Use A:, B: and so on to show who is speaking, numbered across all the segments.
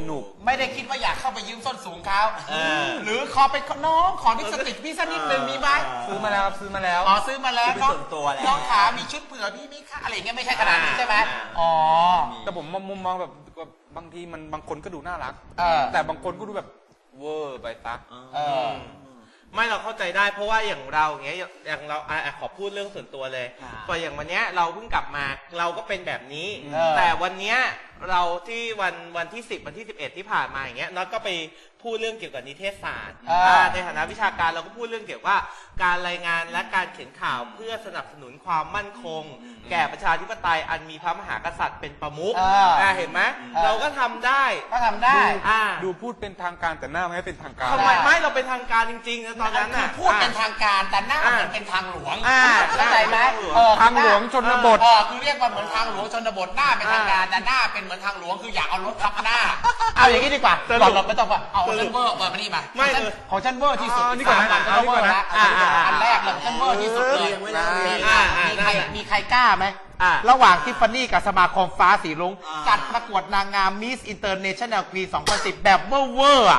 A: นุก
B: ไม่ได้คิดว่าอยากเข้าไปยืมส้นสูงเขาหรือขอไปน้องขอลิปสติกพี่สักนิดนึงมีไหม
A: ซื้อมาแล้วซื้อมาแล้ว
B: อ๋อซื้อมาแล้วน้องขามีชุดเผื่อพี่มีค่าอะไรเงี้ยไม่ใช่ขนาดนี้ใช่ไหมอ๋อ
A: แต่ผมมุมมองแบบบางทีมันบางคนก็ดูน่ารักแต่บางคนก็ดูแบบเวอร์ไปตัก
C: ไม่เราเข้าใจได้เพราะว่าอย่างเราอย่างเงี้ยอย่างเราขอพูดเรื่องส่วนตัวเลยพออย่างวันเนี้ยเราเพิ่งกลับมาเราก็เป็นแบบนี้แต่วันเนี้ยเราที่วันที่10วันที่11ที่ผ่านมาอย่างเงี้ยน็อตก็ไปพูดเรื่องเกี่ยวกับนิเทศศาสตร์ในฐานะวิชาการเราก็พูดเรื่องเกี่ยวกับการรายงานและการเขียนข่าวเพื่อสนับสนุนความมั่นคงแก่ประชาธิปไตยอันมีพระมหากษัตริย์เป็นประมุขเห็นไหมเราก็ทำได้
A: ดูพูดเป็นทางการแต่หน้าไม่เป็นทางการ
C: ทำไมไม่เราเป็นทางการจริงๆนะตอนนั้นน่ะ
B: พูดเป็นทางการแต่หน้าเหมือนเป็นทางหลวงเข้าใจไหม
A: ทางหลวงชนบท
B: คือเรียกว่าเหมือนทางหลวงชนบทหน้าเป็นทางการแต่หน้าเป็นเหมือนทางหลวงคืออยากเอารถทับหน้าเอาอย่างนี้ดีกว่าก่อนเราไม่ต้องว่าเอาฉันเวอร์มานี่มาของฉันเวอร์ที่สุด
A: นี่ก่อนนะ
B: เวอร์นะอันแรกเลยฉันเวอร์ที่สุดเลยมีใครกล้าไหมระหว่างทิฟฟานี่กับสมาคมฟ้าสีรุ้งจัดประกวดนางงามมิสอินเตอร์เนชั่นแนลปี 2010 แบบเวอร์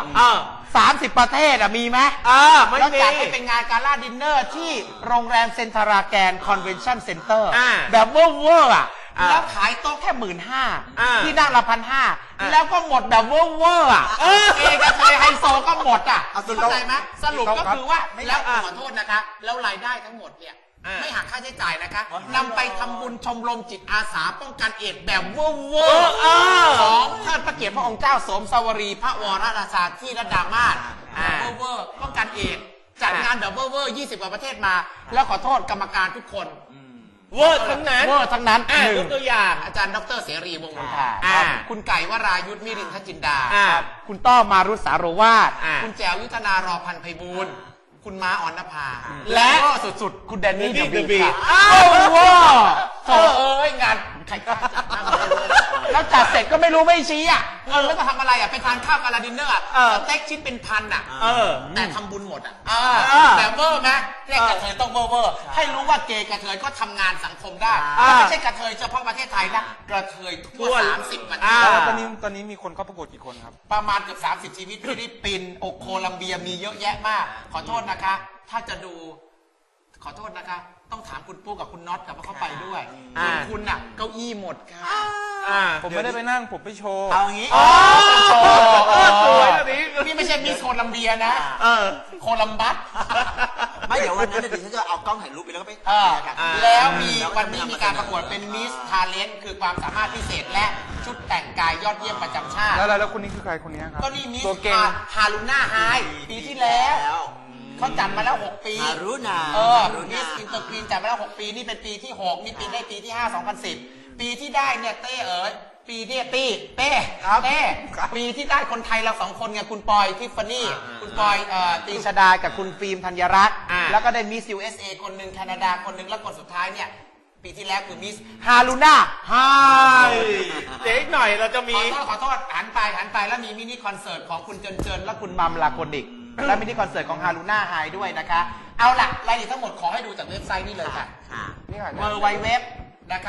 B: 30 ประเทศมีไหมแล้วจัดให้เป็นงานการ่าดินเนอร์ที่โรงแรมเซ็นทราแกรนด์คอนเวนชั่นเซ็นเตอร์แบบเวอร์แล้วขายโต๊ะแค่15,000ที่นั่งละ1,500แล้วก็หมดแบบเวอร์เอกชัยไฮโซก็หมดเข้าใจไหมสรุปก็คือว่าแล้วขอโทษนะคะแล้วรายได้ทั้งหมดเนี่ยไม่หักค่าใช้จ่ายนะคะนำไปทำบุญชมรมจิตอาสาป้องกันเอดส์แบบเวอร์ของเทิดพระเกียรติพระองค์เจ้าสมสวรีพระวรราชาที่ระดามาศเวอร์ป้องกันเอดส์จัดงานแบบเวอร์20 กว่าประเทศมาแล้วขอโทษกรรมการทุกคน
C: เวอร์ทั้งนั้น
B: ยกตัวอย่างอาจารย์ดร.เสรีวงศ์มนทาคุณไก่วรายุทธมิรินทจินดาคุณต้อมารุษสาโรวาทคุณแจวยุทธนารอพันธ์ไพบูลย์คุณม้าอ่อนนภาและก็สุดๆคุณแดนนี่เดอะบีว้าวโถ่งานใครจัดแล้วจัดเสร็จก็ไม่รู้ไม่ชี้เงินแล้วจะทำอะไรไปทานข้าวกาลาดินเนอร์สเต็กชิ้นเป็นพันแต่ทำบุญหมดแต่เวอร์ไหมเรียกกระเทยต้องเวอร์ให้รู้ว่าเกย์กระเทยก็ทำงานสังคมได้ไม่ใช่กระเทยเฉพาะประเทศไทยนะกระเทยทั่ว30 ประเทศ
A: ตอนนี้มีคนเข้าประกวดกี่คนครับ
B: ประมาณเกือบ30 ชีวิตฟิลิปปินส์โคลัมเบียมีเยอะแยะมากขอโทษนะคะถ้าจะดูขอโทษนะคะต้องถามคุณปุ๊กกับคุณน็อตกับว่าเขาไปด้วยส่วนคุณน่ะเก้าอี้หมดค่ะ
A: ผมไม่ได้ไปนั่งผมไปโชว์
B: เอางี้
C: โชว์สวยแบบนี้
B: นี่ไม่ใช่มิสโคลัมเบียนะโคลัมบัส
D: ไม่เดี๋ยววันนั้นเดี๋ยวฉันจะเอากล้องถ่ายรูปไปแล้วก็ไป
B: แล้วมีวันนี้มีการประกวดเป็นมิสทาเลนต์คือความสามารถพิเศษและชุดแต่งกายยอดเยี่ยมประจำชาติ
A: แล้วคนนี้คือใครคนนี้ครับ
B: ก็นี่มิสฮารุน่าไฮปีที่แล้วเขาจัดมาแล้ว6 ปี
D: ฮารุน่า
B: มิสอินเตอร์ควีนจัดมาแล้ว6 ปีนี่เป็นปีที่6นี่ปีได้ปีที่5 2010ปีที่ได้เนี่ยเต้ปีเนี่ยเต้ปีที่ได้คนไทยเรา2 คนไงคุณปอยทิฟฟานี่คุณปอยตีชดากับคุณฟิล์มธัญรัตน์แล้วก็ได้มิส USA คนหนึ่งแคนาดาคนหนึ่งแล้วคนสุดท้ายเนี่ยปีที่แล้วคือมิสฮารุน่าไฮ
C: เด็กหน่อยเราจะมี
B: ขอโทษหันไปแล้วมีมินิคอนเสิร์ตของคุณเจินและคุณมัมลาโคนิกและมินิคอนเสิร์ตของฮารุน่าไฮด้วยนะคะเอาล่ะรายละเอียดทั้งหมดขอให้ดูจากเว็บไซต์นี่เลยค่ะ
D: นี่ค่ะ
B: www นะคะ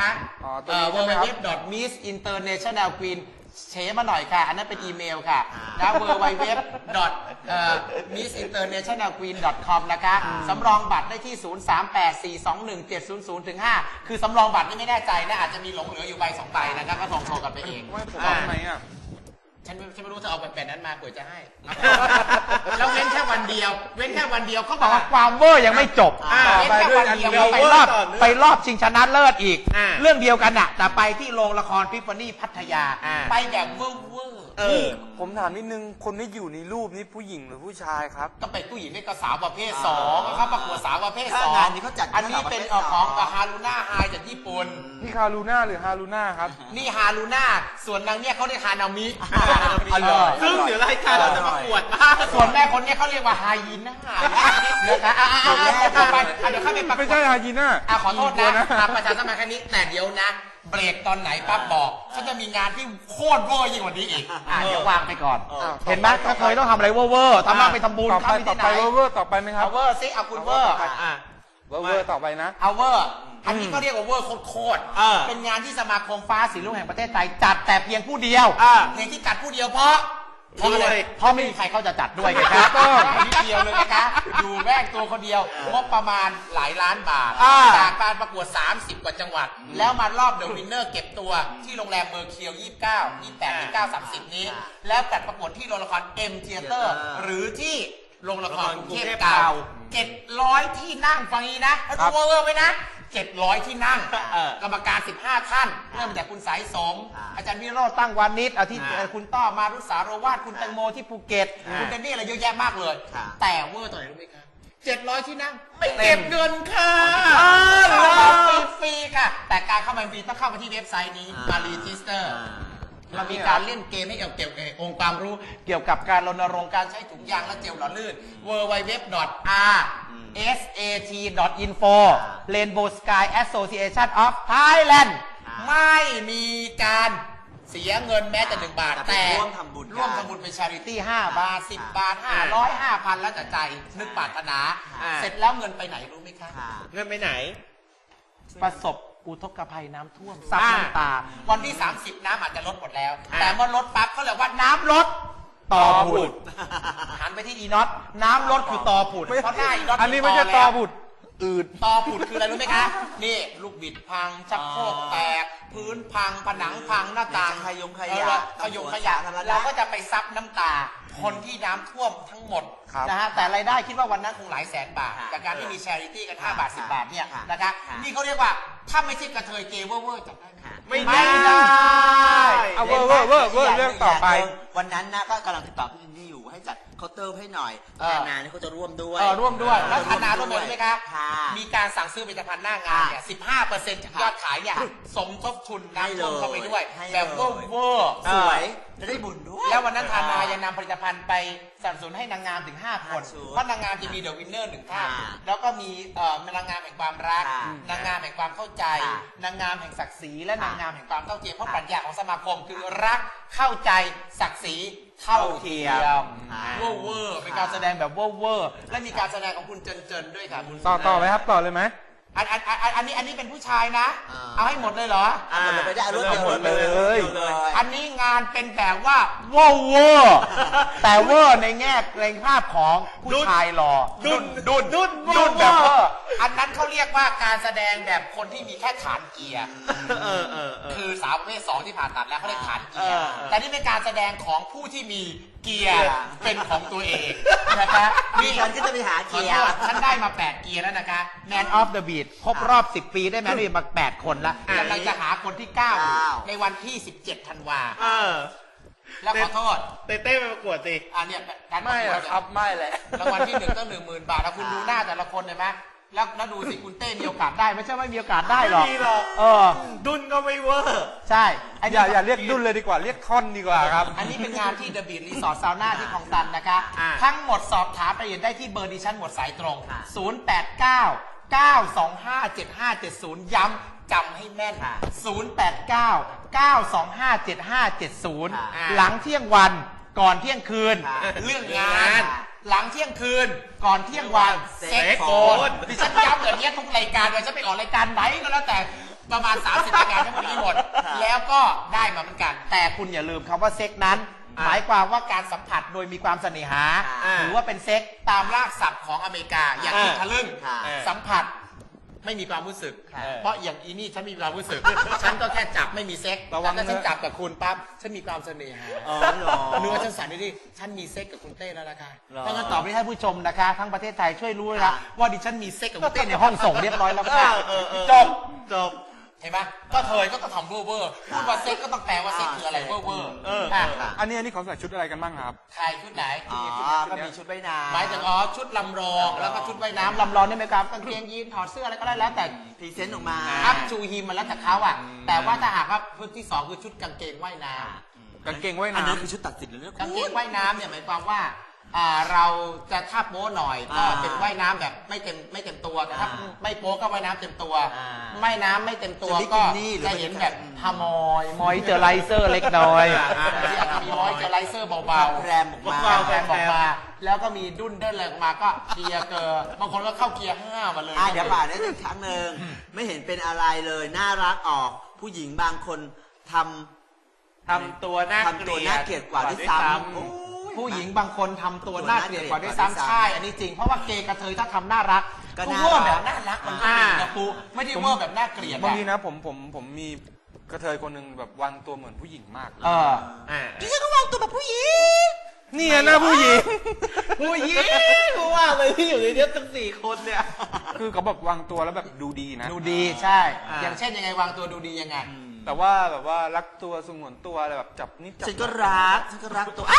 B: www.missinternationalqueen เชมาหน่อยค่ะอันนั้นเป็นอีเมลค่ะแล้ว www.missinternationalqueen.com นะคะสำรองบัตรได้ที่ 038421700-5คือสำรองบัตรนี่ไม่แน่ใจนะอาจจะมีหลงเหลืออยู่ใบ2 ใบนะครับก็ส่งโทรกันไปเอง
A: ไม่ผมเอาไหม
B: ฉันไม่รู้เธอเอาแบบนั้นมาเผื่อจะให้แล้วเว้นแค่วันเดียวเขาบอกว่าความเวอร์ยังไม่จบเว้นแค่วันเดียวไปรอบชิงชนะเลิศอีกเรื่องเดียวกันแต่ไปที่โรงละครทิฟฟานี่พัทยาไปแบบเวอร์
A: ผมถามนิดนึงคนที่อยู่ในรูปนี้ผู้หญิงหรือผู้ชายครับ
B: ก็เป็นผู้หญิงนี่ก็สาวประเภท2เขาประกวดสาวประเภท2
D: อันนี้เขาจัด
B: อันนี้เป็นของฮารุน่าไฮจากญี่ปุ่น
A: นี่ฮารุน่าหรือฮารุน่าครับ
B: นี่ฮารุน่าส่วนนางเนี่ยเขาเรียกฮานามิ
C: ซึ่งเดี๋ยวรายการเราจะประกวดบ้าง
B: ส่วนแม่คนนี้เขาเรียกว่าไฮยีน่านะคะเดี๋ยวเข้าไป
A: ไม่ใช่ไฮยีน่า
B: ขอโทษนะประชาสัมพันธ์แค่นี้แต่เดี๋ยวนะเบรกตอนไหนปั๊บบอกฉันจะมีงานที่โคตรเวอร์ยิ่งกว่านี้อีกเดี๋ยววางไปก่อนเห็นไหมถ้าเคยต้องทำอะไรเวอร์ทำมาไปทำบุญ
A: ต่อไปเวอร์ต่อไปไหมครับ
B: เอาเวอร์ซิเอาคุณเวอร์
A: เวอร์ต่อไปนะ
B: เอาเวอร์อันนี้ก็เรียกว่าเวอร์โคตรเป็นงานที่สมาคมฟ้าสีรุ้งแห่งประเทศไทยจัดแต่เพียงผู้เดียวเพียงที่จัดผู้เดียวเพราะไม่มีใครเขาจะจัดด้วยนะครับนิดเดียวเลยนะคะอยู่แม่งตัวคนเดียวงบประมาณหลายล้านบาทจากการประกวด30กว่าจังหวัดแล้วมารอบเดอะวินเนอร์เก็บตัวที่โรงแรมเมอร์เคียว29 28 29 30นี้แล้วจัดประกวดที่โรงละครเอ็มเธียเตอร์หรือที่โรงละครกรุงเทพเก่า700ที่นั่งฟังนี้นะแล้วดูเวอร์ไว้นะ700ที่นั่งกรรมการ15ท่านเริ่มจากคุณสายสมอาจารย์วิโรจน์ตั้งวานิชอาทิตย์คุณต้อมารุษาโรวาทคุณแตงโมที่ภูเก็ตคุณเจนนี่อะไรเยอะแยะมากเลยแต่เวอร์ตัวไหนรู้ไหมครับ700ที่นั่งไม่เก็บเงินค่ะฟรีค่ะแต่การเข้ามาฟรีต้องเข้ามาที่เว็บไซต์นี้มารีจิสเตอร์เรามีการเล่นเกมให้เกี่ยวกับองค์ความรู้เกี่ยวกับการรณรงค์การใช้ถุงยางและเจลหล่อลื่น www.rsat.info Rainbow Sky Association of Thailand ไม่มีการเสียเงินแม้แต่1 บาทแต่ร่วมทำบุญเป็น charity 5 บาท 10 บาท 500 5,000 แล้วแต่ใจนึกปรารถนาเสร็จแล้วเงินไปไหนรู้ไหมคะ
C: เงินไปไหน
B: ประสบอุทกภัยน้ำท่วมซับน้ำตาวันที่30น้ำอาจจะลดหมดแล้วแต่เมื่อลดปั๊บเขาเรียกว่าน้ำลดต่อผุดหันไปที่อีน็อตน้ำลดคือต่อผุดเพราะหน้าอีน็อต
A: อันนี้ไม่ใช่ต่อผุดอืด
B: ต่อผุดคืออะไรรู้ไหมคะนี่ลูกบิดพังชักโครกแตกพื้นพังผนังพังหน้าต่างขยงขยะเราก็จะไปซับน้ำตาคนที่น้ำท่วมทั้งหมดนะฮะแต่รายได้คิดว่าวันนั้นคงหลายแสนบาทจากการที่มีแชริตี้กัน5 บาท 10 บาทเนี่ยนะคะนี่เขาเรียกว่าถ้าไม่ใช่กระเทยเกย์เวอร์จัดได้
C: ไม่ได้
A: เอาเวอร์เรื่องต่อไป
D: วันนั้นนะก็กำลังติดต่อพี่อินดี้อยู่ให้จัดเคาน์เตอร์ให้หน่อยธนาเนี่ยเขาจะร่วมด้วย
B: แล้วธนาร่วมด้วยไหมคะมีการสั่งซื้อผลิตภัณฑ์หน้างานเนี่ย15%จากยอดขายเนี่ยสมทบทุนน้ำท่วมเข้าไปด้วยแบบเวอร์
D: สวยจะได้บุญด้วย
B: แล้ววันนั้นธนายังนำผลิตภัณฑ์ไปสนับสนุนให้นางงามถึง5 คนเพราะนางงามจะมีเดอะวินเนอร์1 ท่านแล้วก็มีนางงามแห่งความรักนางงามแห่งความเข้าใจนางงามแห่งศักดิ์ศรีและนางงามแห่งความเท่าเทียมเพราะปรัชญาของสมาคมคือรักเข้าใจศักดิ์ศรีเท่าเทียมเวอร์เป็นการแสดงแบบเวอร์และมีการแสดงของคุณเจินด้วยค่ะ
A: ต่อไหมครับต่อเลยไหม
B: อันนี้เป็นผู้ชายนะเอาให้หมดเลยเหรอ
D: หมดเลยไปได้รวดเดียว
A: เลย
B: อันนี้งานเป็นแบบว่าเวอร์แต่เวอร์ในแง่ในภาพของผู้ชายหล่อดุนแบบเวอร์อันนั้นเขาเรียกว่าการแสดงแบบคนที่มีแค่ฐานเกียร์คือสาวประเภท2ที่ผ่าตัดแล้วเขาเรียกฐานเกียร์แต่นี่เป็นการแสดงของผู้ที่มีเกียร์เป็นของตัวเองนะคะ
D: นี่ฉันก็จะไปหาเกียร์
B: ฉันได้มา8เกียร์แล้วนะคะ Man of the Beat ครบรอบ10 ปีได้แมนนี่มา8 คนแล้วกำลังจะหาคนที่9ในวันที่17 ธันวาแล้วขอโทษ
C: เต้ไปประกวดสิ
B: เนี่ย
A: ไม่ครับไม่แหละ
B: รางวัลที่1ต้อง 10,000 บาทแล้วคุณดูหน้าแต่ละคนเห็นไหมแล้วดูสิคุณเต้มีโอกาสได้ไม่ใช่ไม่มีโอกาสได้หรอก
C: ดุนก็ไม่เวอร์
B: ใช่
A: อย่าเรียกดุนเลยดีกว่าเรียกท่อนดีกว่าครับ
B: อันนี้เป็นงานที่เดอะบีทรีสอร์ทซาวน่าที่คลองตันนะคะทั้งหมดสอบถามรายละเอียดได้ที่เบอร์ดิฉันหมดสายตรง089-925-7570ย้ำจำให้แม่น089-925-7570หลังเที่ยงวันก่อนเที่ยงคืนเรื่องงานหลังเที่ยงคืนก่อนเที่ยงวันเซ็กโฟนดิฉันย้ำแบบนี้ทุกรายการเลยฉันไปออกรายการไหนก็แล้วแต่ประมาณ30รายการทั้งหมดนี้หมดแล้วก็ได้มาเหมือนกันแต่คุณอย่าลืมคำว่าเซ็กนั้นหมายความว่าการสัมผัสโดยมีความเสน่หาหรือว่าเป็นเซ็กตามรากศัพท์ของอเมริกาอย่างที่ทะลึ่งสัมผัสไม่มีความรู้สึกเพราะอย่างอีนี่ฉันมีความรู้สึกฉันก็แค่จับไม่มีเซ็กแต่ว่าถ้าฉันจับกับคุณปั๊บฉันมีความเสน่หาเนื้อฉันสั่นดิฉันมีเซ็กกับคุณเต้แล้วนะคะถ้างั้นตอบให้ท่านผู้ชมนะคะทั้งประเทศไทยช่วยรู้นะว่าดิฉันมีเซ็กกับคุณเต้ในห้องส่งเรียบร้อยแล้วค่ะจบเห็นไหมก็เธอก็ทำเวอร์พูดว่าเซ็กก็ต้องแปลว่าเซ็กคืออะไรเวอร์
A: อันนี้เขาใส่ชุดอะไรกันบ้างครับ
B: ใครชุดไหน
D: ก็มีชุดว่ายน้ำ
B: หมายถึงชุดลำรองแล้วก็ชุดว่ายน้ำลำรองนี่ไหมครับกางเกงยีนถอดเสื้ออะไรก็ได้แล้วแต่
D: พรีเซนต์ออกมา
B: อัพชูฮิมมันแล้วแต่เขาแต่ว่าถ้าหากว่าชุดที่2คือชุดกางเกงว่ายน้ำ
A: กางเกงว่ายน้ำ
D: อันนั้นคือชุดตัดสินเลย
B: กางเกงว่ายน้ำเนี่ยหมายความว่าเราจะถ้าโป๊หน่อยก็เป็นว่ายน้ำแบบไม่เต็มตัวแต่ถ้าไม่โป๊ก็ว่ายน้ำเต็มตัวว่ายน้ำไม่เต็มตัวก็จะเห็นแบบทามมอยเจอไรเซอร์เล็กน้อยมีมอยเจอไรเซอร์เบาๆแรมออกมาแล้วก็มีดุ้นเดินอะไรออกมาก็เกียร์เกอร์บางคนก็เข้าเกียร์5มาเลย
D: เดี๋ยวป่าได้อีกครั้งหนึ่งไม่เห็นเป็นอะไรเลยน่ารักออกผู้หญิงบางคนทำ
C: ตัวน่าเกลียด
D: กว่าด้วยซ้ำ
B: ผู้หญิงบางคนทำตัวน่าเกลียดกว่าด้วยซ้ำใช่อันนี้จริงเพราะว่าเกย์กระเทยถ้าทำน่ารักก็เวอร์แบบน่ารักมันก็ดีนะปูไม่ได้เวอร์แบบน่าเกลียด
A: บางทีนะผมมีกระเทยคนหนึ่งแบบวางตัวเหมือนผู้หญิงมาก
B: ดิฉันก็วางตัวแบบผู้หญิง
A: นี่หน้าผู้หญิง
C: รู้ว่าเลยที่อยู่ในนี้ทั้ง4 คนเนี่ย
A: คือเขาแบบวางตัวแล้วแบบดูดีนะ
B: ดูดีใช่อย่างเช่นยังไงวางตัวดูดียังไง
A: แต่ว่าแบบว่ารักตัวสงวนตัวอะไรแบบจับนิดจับ
D: ฉันก็รักตัว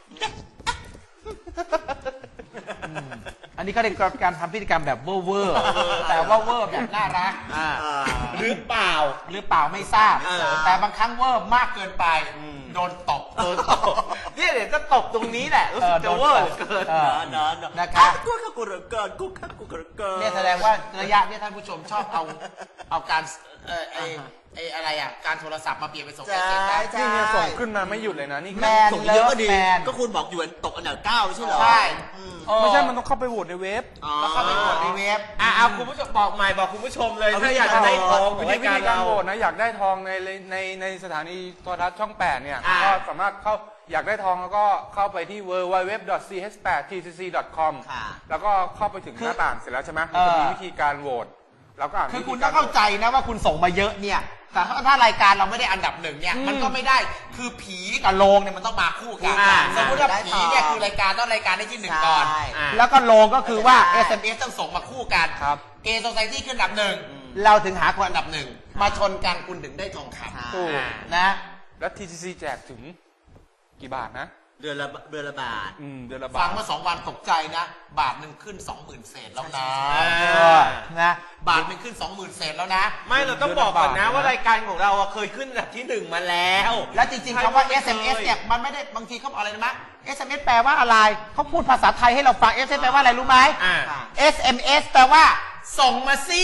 B: อันนี้ก็เป็นการทำพฤติกรรมแบบเวอร์แต่ว่าเวอร์แบบน่ารัก
C: หรือเปล่า
B: ไม่ทราบแต่บางครั้งเวอร์มากเกินไปโดนตบ
C: เนี่ยเดี๋ยวจะตบตรงนี้แหละรู้สึกจะเวอร์เกิน
B: นะครับ
D: กูเหลือเกินกูเหลือเกิน
B: เนี่ยแสดงว่าระยะเนี่ยท่านผู้ชมชอบเอาการอะไรการโทรศัพท์มาเปลี่ยนเป็นส่ง SMS
A: นี่เนี่ยส่งขึ้นมาไม่หยุดเลยนะนี่
D: ส่งเยอะก็ดีก็คุณบอกอยู่ตกอันดับ9ไม่ใช่เหรอ
B: ใช่
A: ไม่ใช่มันต้องเข้าไปโหวตในเว็บ
B: ต้องเข้าไปโหวตในเว็บ
C: เอาคุณผู้ชมบอกใหม่บอกคุณผู้ชมเลยถ้าอยากจะได้ทอง
A: วิธีการโหวตนะอยากได้ทองในสถานีโทรทัศน์ช่อง8เนี่ยก็สามารถเข้าอยากได้ทองแล้วก็เข้าไปที่ www.ch8tcc.com แล้วก็เข้าไปถึงหน้าต่างเสร็จแล้วใช่ไหมมันจะมีวิธีการโหวตแล้วก็
B: คือคุณต้องเข้าใจนะว่าคุณส่งมาเยอะเนี่ยแต่ถ้ารายการเราไม่ได้อันดับ1เนี่ยมันก็ไม่ได้คือผีกับโลงเนี่ยมันต้องมาคู่กันสมมติว่าผีเนี่ยคือรายการต้องรายการได้ที่1ก่อนแล้วก็โลงก็คือว่า SMS ต้องส่งมาคู่กันเกย์โซไซตี้ขึ้นอันดับ1เราถึงหาคนอันดับ1มาชนกันคุณถึงได้ทองคำนะ
A: แล้ว TCC แจกถึงกี่บาทนะ
D: เดือนละบาทเดือนละ
A: บาท
B: ฟังเมื่อ2 วันตกใจนะบาท1ขึ้น 20,000 เศษแล้วนะบาท1ขึ้น 20,000 เศษแล้วนะ
C: ไม่เราต้องบอกก่อนนะว่ารายการของเราเคยขึ้นอันดับที่1มาแล้ว
B: และจริงๆคำว่า SMS เนี่ยมันไม่ได้บางทีเขาบอกอะไรนะ SMS แปลว่าอะไรเขาพูดภาษาไทยให้เราฟัง SMS แปลว่าอะไรรู้ไหม SMS แปลว่าส่งมาสิ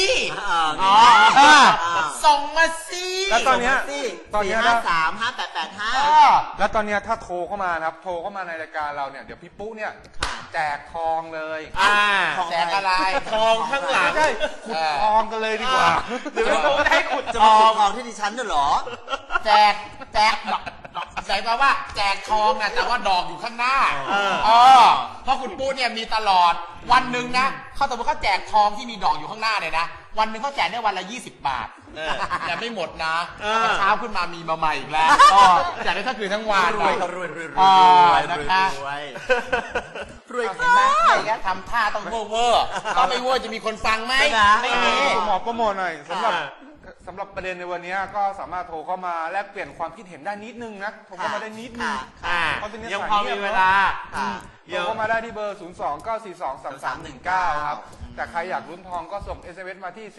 B: ส่งมาสิ
A: แล้วตอนนี้
D: 4535885
A: แล้วตอนนี้ถ้าโทรเข้ามานะครับโทรเข้ามาในรายการเราเนี่ยเดี๋ยวพี่ปุ๊เนี่ยแจกทองเลย
B: แจกอะไร
C: ทองข้างหลัง
A: ใช่ขุดทองกันเลยดีกว่า
C: หรือว่าให้ขุด
D: จะมาขุดทองที่ดิฉันด้วยเหรอ
B: แจกใส่มาว่าแจกทองนะแต่ว่าดอกอยู่ข้างหน้าเพราะคุณปุ๊เนี่ยมีตลอดวันหนึ่งนะเขาสมมติเขาแจกทองที่มีดอกอยู่ข้างหน้าเนี่ยนะวันหนึ่งเขาแจกได้วันละ20 บาทแต่ไม่หมดนะเช้าขึ้นมามีมาใหม่อีกแล้วแจกได้ทั้งคืนทั้งวัน
D: รวย
B: นะคะรวยเห็นไหมอะไรเงี้ยทำท่าต้องเวอร์ก็ไม่เวอร์จะมีคนฟังไหมไม่มี
A: หมอโปรโมทหน่อยสำหรับประเด็นในวันนี้ก็สามารถโทรเข้ามาแลกเปลี่ยนความคิดเห็นได้นิดนึงนะโทรเข้ามาได้นิดนึง
C: ยังพอมีเวลา
A: โทรเข้ามาได้ที่เบอร์ 029423319 ครับแต่ใครอยากลุ้นทองก็ส่ง SMS มาที่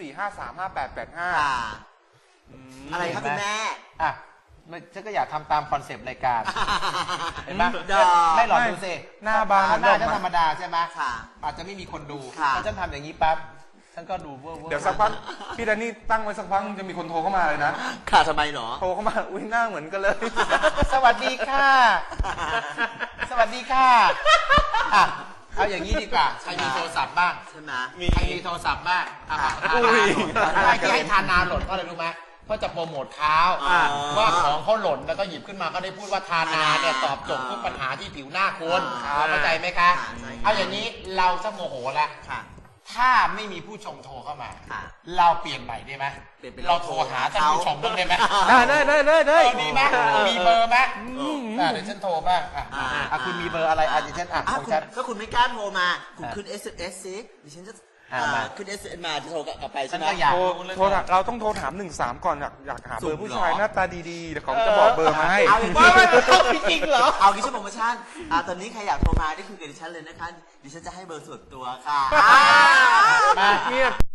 A: 4535885
D: อะไรครับคุณแม่
B: ฉันก็อยากทำตามคอนเซปต์รายการเห็นไหมไม่หลอกดูสิ
A: หน้าบาน
B: หน้าจะธรรมดาใช่ไหมอาจจะไม่มีคนดูถ้าฉันทำอย่างนี้ปั๊บฉันก็ดูเวอร์
A: เดี๋ยวสักพักพี่แดนนี่ตั้งไว้สักพักจะมีคนโทรเข้ามาเลยนะ
D: ค่ะทำไมหรอ
A: โทรเข้ามาอุ้ยหน้าเหมือนกันเลย
B: สวัสดีค่ะสวัสดีค่ะเอาอย่างนี้ดีกว่าใครมีโทรศัพท์บ้าง
D: ใช่ไหม
B: ใครมีโทรศัพท์บ้างที่ให้ทานาหล่นเพราะอะไรรู้ไหมเพราะจะโปรโมทเขาว่าของเขาหล่นแล้วก็หยิบขึ้นมาก็ได้พูดว่าทานาเนี่ยตอบโจทย์ทุกปัญหาที่ผิวหน้าคุณเข้าใจไหมคะเอาอย่างนี้เราจะโมโหแล้วถ้าไม่มีผู้ชมโทรเข้ามาเราเปลี่ยนใหม่ได้ไหมเราโทรหาท่านผู้ชมบ้างได้ไหม
A: ได้
B: ดีไหมมีเบอร์ไหมเดี๋ยวฉันโทรบ้างคุณมีเบอร์อะไรดิฉันของฉัน
D: ถ้าคุณไม่กล้าโทรมาคุณขึ้น SMS ซิดิฉันจะขึ้น SMS มาจะโทรกลับไปใช่ไหม
A: เราต้องโทรถาม13ก่อนอยากหาเบอร์ผู้ชายหน้าตาดีๆเดี๋ยวเขาจะบอกเบอร์มาให้
C: เอาจริงเหรอ
D: เอาดิฉันโปรโมชั่นตอนนี้ใครอยากโทรมาได้คุยกับดิฉันเลยนะคะดิฉันจะให้เบอร์ส่วนตัวค่ะ